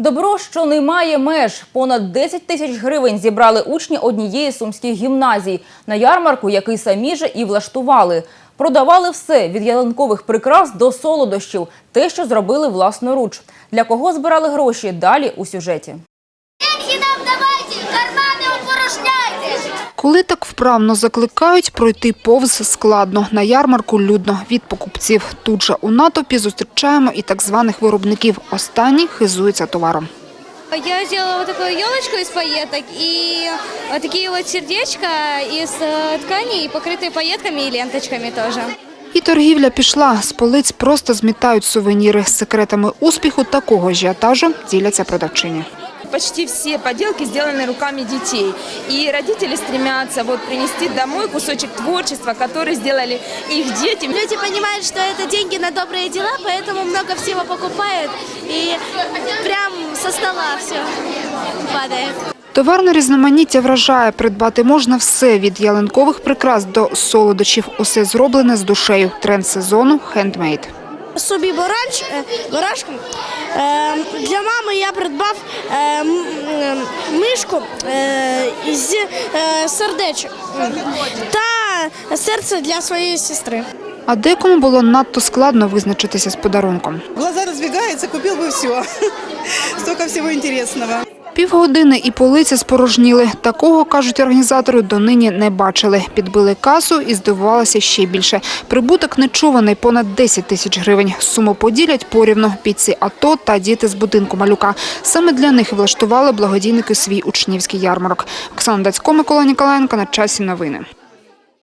Добро, що не має меж. Понад 10 тисяч гривень зібрали учні однієї з сумських гімназій на ярмарку, який самі же і влаштували. Продавали все – від ялинкових прикрас до солодощів – те, що зробили власноруч. Для кого збирали гроші – далі у сюжеті. Коли так вправно закликають, пройти повз складно. На ярмарку людно від покупців. Тут же у натовпі зустрічаємо і так званих виробників. Останні хизуються товаром. Я сделала вот такую елочку из пайеток и вот такие вот сердечка из тканей, покрытые пайетками и ленточками тоже. І торгівля пішла. З полиць просто змітають сувеніри. З секретами успіху такого ажіотажу діляться продавчині. Почти все поделки сделаны руками детей. И родители стремятся принести домой кусочек творчества, который сделали их дети. Люди понимают, что это деньги на добрые дела, поэтому много всего покупают. И прям со стола все падает. Товарне різноманіття вражає. Придбати можна все – від ялинкових прикрас до солодощів. Усе зроблене з душею. Тренд сезону – хендмейд. Собі барашку. Для мами я придбав мишку з сердечок та серце для своєї сестри. А декому було надто складно визначитися з подарунком. Глаза разбегаются, купил бы все. Столько всего интересного. Півгодини і полиці спорожніли. Такого, кажуть організатори, донині не бачили. Підбили касу і здивувалися ще більше. Прибуток нечуваний – понад 10 тисяч гривень. Суму поділять порівну – бійці АТО та діти з будинку малюка. Саме для них влаштували благодійники свій учнівський ярмарок. Оксана Дацько, Микола Ніколаєнко. На часі новини.